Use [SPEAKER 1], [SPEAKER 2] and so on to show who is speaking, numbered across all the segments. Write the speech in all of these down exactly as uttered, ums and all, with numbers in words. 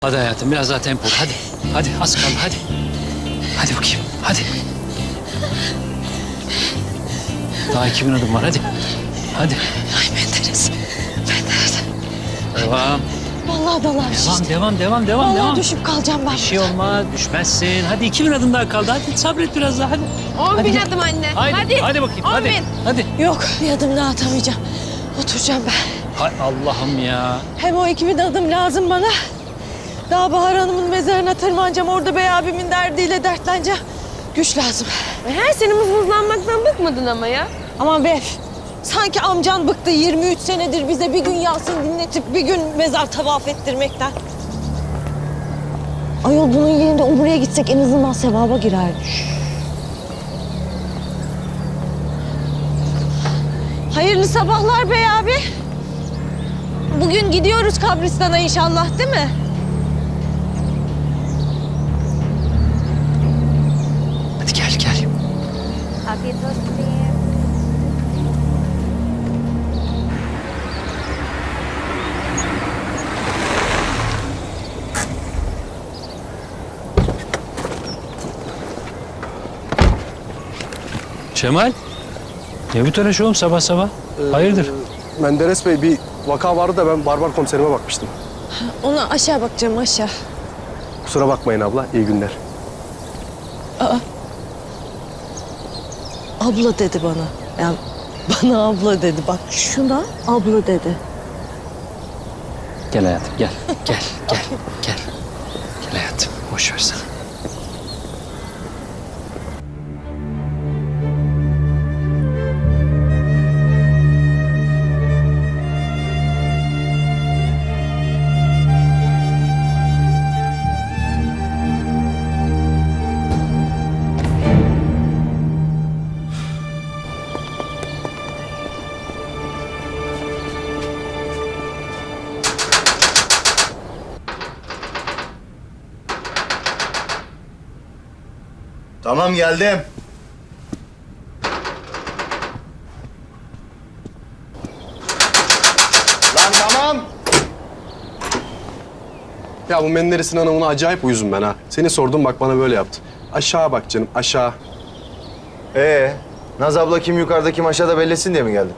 [SPEAKER 1] Hadi hayatım biraz daha tempolu. Hadi. Hadi az kaldı hadi. Hadi bakayım. Hadi. Daha iki bin adım var hadi. Hadi.
[SPEAKER 2] Ay Menderes. Menderes.
[SPEAKER 1] Devam.
[SPEAKER 2] Vallahi dalar
[SPEAKER 1] Devam
[SPEAKER 2] işte.
[SPEAKER 1] devam devam devam.
[SPEAKER 2] Vallahi
[SPEAKER 1] devam.
[SPEAKER 2] düşüp kalacağım ben.
[SPEAKER 1] Bir şey olmaz. Düşmezsin. Hadi iki bin adım daha kaldı. Hadi sabret biraz daha hadi.
[SPEAKER 3] On
[SPEAKER 1] Hadi
[SPEAKER 3] bin
[SPEAKER 1] gel.
[SPEAKER 3] adım anne.
[SPEAKER 1] Hadi.
[SPEAKER 3] Hadi.
[SPEAKER 1] Hadi bakayım.
[SPEAKER 3] On
[SPEAKER 1] hadi.
[SPEAKER 3] bin.
[SPEAKER 1] Hadi.
[SPEAKER 2] Yok bir adım daha atamayacağım. Oturacağım ben.
[SPEAKER 1] Hay Allah'ım ya.
[SPEAKER 2] Hem o iki bin adım lazım bana. Daha Bahar Hanım'ın mezarına tırmanacağım. Orada bey abimin derdiyle dertleneceğim. Güç lazım.
[SPEAKER 3] Her sene mızmızlanmaktan bıkmadın ama ya.
[SPEAKER 2] Aman be. Sanki amcan bıktı yirmi üç senedir bize bir gün Yasin dinletip bir gün mezar tavaf ettirmekten. Ayol bunun yerinde umreye gitsek en azından sevaba girerdik. Hayırlı sabahlar bey abi. Bugün gidiyoruz kabristana inşallah değil mi?
[SPEAKER 1] Hadi gel gel.
[SPEAKER 3] Afiyet olsun.
[SPEAKER 1] Cemal. Ne bu telaş oğlum sabah sabah? Hayırdır?
[SPEAKER 4] Menderes Bey bir vaka vardı da ben Barbar komiserime bakmıştım.
[SPEAKER 2] Ona aşağı bakacağım aşağı.
[SPEAKER 4] Kusura bakmayın abla, iyi günler.
[SPEAKER 2] Abla dedi bana. Yani bana abla dedi. Bak şuna abla dedi.
[SPEAKER 1] Gel hayatım gel. Gel gel gel. Gel hayatım. Boş ver sen.
[SPEAKER 5] Tamam geldim. Lan tamam.
[SPEAKER 4] Ya bu Menderes'in hanımına acayip uyuzum ben ha. Seni sordum bak bana böyle yaptı. Aşağı bak canım, aşağı.
[SPEAKER 5] Ee, Naz abla kim yukarıda kim aşağıda bellesin diye mi geldin?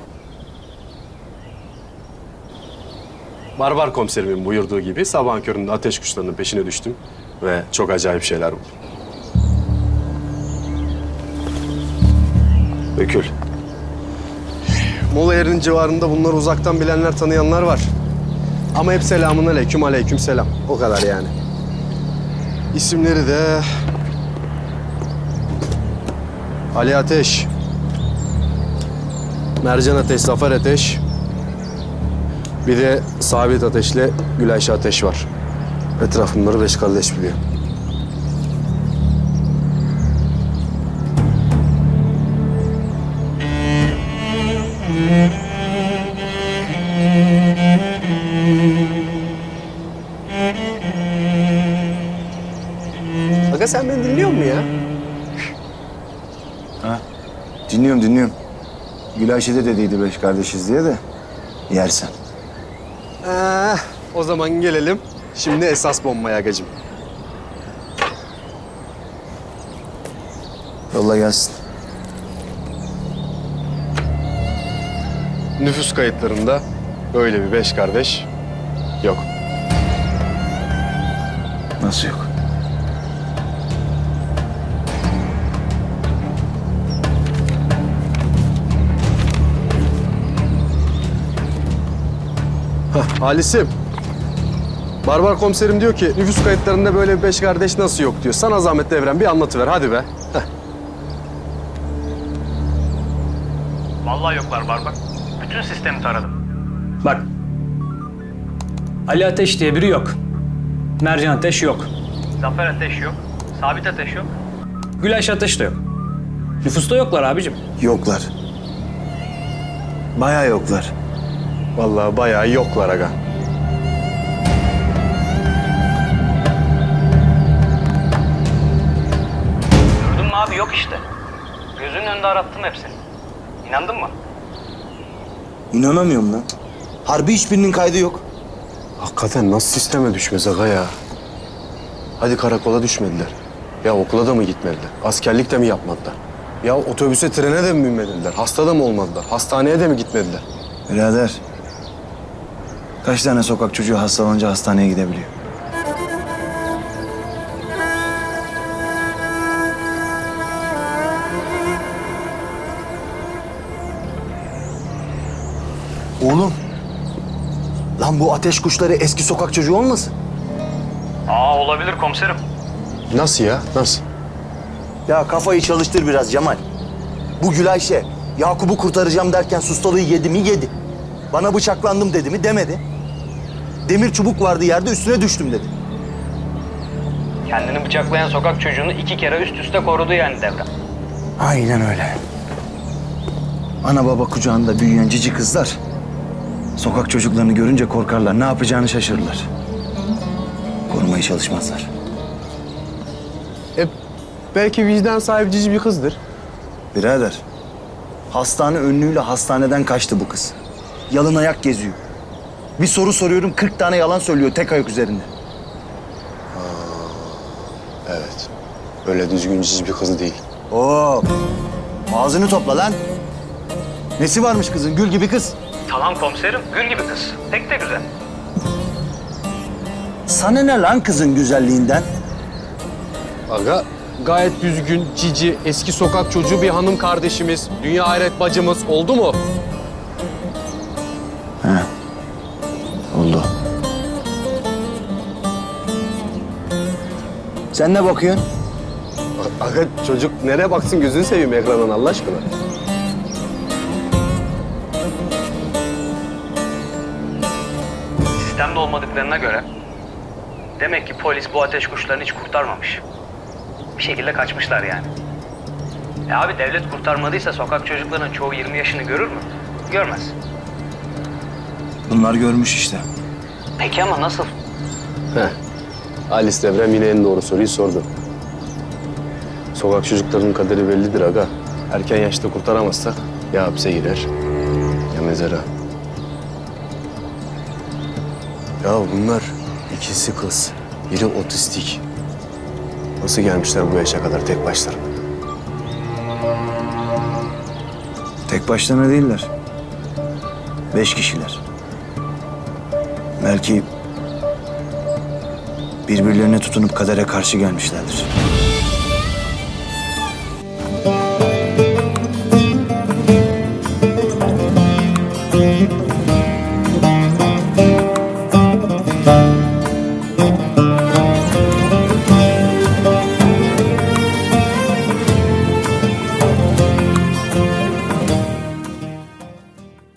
[SPEAKER 4] Barbar komiserimin buyurduğu gibi sabahın köründe ateş kuşlarının peşine düştüm. Ve çok acayip şeyler buldum.
[SPEAKER 5] Dökül.
[SPEAKER 4] Mola yerinin civarında bunları uzaktan bilenler, tanıyanlar var. Ama hep selamun aleyküm, aleyküm selam. O kadar yani. İsimleri de... Ali Ateş, Mercan Ateş, Zafer Ateş, bir de Sabit Ateş'le Gülayşe Ateş var. Etraf bunları beş kardeş biliyor. Aga sen beni dinliyor musun ya?
[SPEAKER 5] Ha? Dinliyorum dinliyorum. Gülayşe de dediydi beş kardeşiz diye de yersen.
[SPEAKER 4] Ee, o zaman gelelim. Şimdi esas bombaya agacığım.
[SPEAKER 5] Yolla gelsin.
[SPEAKER 4] Nüfus kayıtlarında böyle bir beş kardeş yok.
[SPEAKER 5] Nasıl yok?
[SPEAKER 4] Hah, Halis'im. Barbar komiserim diyor ki nüfus kayıtlarında böyle bir beş kardeş nasıl yok diyor. Sana zahmet Devrem bir anlatıver hadi be. Heh.
[SPEAKER 6] Vallahi yoklar Barbar. Bütün sistemi taradım.
[SPEAKER 7] Bak. Ali Ateş diye biri yok. Mercan Ateş yok.
[SPEAKER 6] Zafer Ateş yok. Sabit Ateş yok.
[SPEAKER 7] Gülayşe Ateş de yok. Nüfusta yoklar abicim.
[SPEAKER 5] Yoklar. Bayağı yoklar.
[SPEAKER 4] Vallahi bayağı yoklar aga.
[SPEAKER 6] Gördün mü abi yok işte. Gözünün önünde arattım hepsini. İnandın mı?
[SPEAKER 5] İnanamıyorum lan. Harbi hiçbirinin kaydı yok.
[SPEAKER 4] Hakikaten nasıl sisteme düşmez aga ya? Hadi karakola düşmediler. Ya okula da mı gitmediler? Askerlik de mi yapmadılar? Ya otobüse, trene de mi binmediler? Hasta da mı olmadılar? Hastaneye de mi gitmediler?
[SPEAKER 5] Birader, kaç tane sokak çocuğu hastalanınca hastaneye gidebiliyor? Oğlum, lan bu ateş kuşları eski sokak çocuğu olmasın?
[SPEAKER 6] Aa olabilir komiserim.
[SPEAKER 4] Nasıl ya? Nasıl?
[SPEAKER 8] Ya kafayı çalıştır biraz Cemal. Bu Gülayşe, Yakup'u kurtaracağım derken sustalığı yedi mi yedi. Bana bıçaklandım dedi mi demedi. Demir çubuk vardı yerde üstüne düştüm dedi.
[SPEAKER 6] Kendini bıçaklayan sokak çocuğunu iki kere üst üste korudu yani Devrem.
[SPEAKER 5] Aynen öyle. Ana baba kucağında büyüyen cici kızlar sokak çocuklarını görünce korkarlar. Ne yapacağını şaşırırlar. Korumaya çalışmazlar.
[SPEAKER 4] E, belki vicdan sahibi cici bir kızdır.
[SPEAKER 5] Birader, hastane önlüğüyle hastaneden kaçtı bu kız. Yalın ayak geziyor. Bir soru soruyorum, kırk tane yalan söylüyor tek ayak üzerinde.
[SPEAKER 4] Evet. Öyle düzgün cici bir kız değil.
[SPEAKER 5] Oo, ağzını topla lan. Nesi varmış kızın? Gül gibi kız.
[SPEAKER 6] Tamam komiserim, gül gibi kız. Pek de güzel.
[SPEAKER 5] Sana ne lan kızın güzelliğinden?
[SPEAKER 4] Aga gayet düzgün, cici, eski sokak çocuğu bir hanım kardeşimiz, dünya hayret bacımız oldu mu?
[SPEAKER 5] Oldu. Sen ne bakıyorsun?
[SPEAKER 4] Aga çocuk nereye baksın gözünü seveyim ekrandan Allah aşkına.
[SPEAKER 6] Sistemde olmadıklarına göre demek ki polis bu ateş kuşlarını hiç kurtarmamış. Bir şekilde kaçmışlar yani. E abi devlet kurtarmadıysa sokak çocuklarının çoğu yirmi yaşını görür mü? Görmez.
[SPEAKER 5] Bunlar görmüş işte.
[SPEAKER 6] Peki ama nasıl?
[SPEAKER 4] Heh. Alice Devrem yine en doğru soruyu sordu. Sokak çocuklarının kaderi bellidir aga. Erken yaşta kurtaramazsak ya hapse girer ya mezara. Ya bunlar ikisi kız, biri otistik. Nasıl gelmişler bu yaşa kadar tek başlarına?
[SPEAKER 5] Tek başlarına değiller. Beş kişiler. Belki birbirlerine tutunup kadere karşı gelmişlerdir.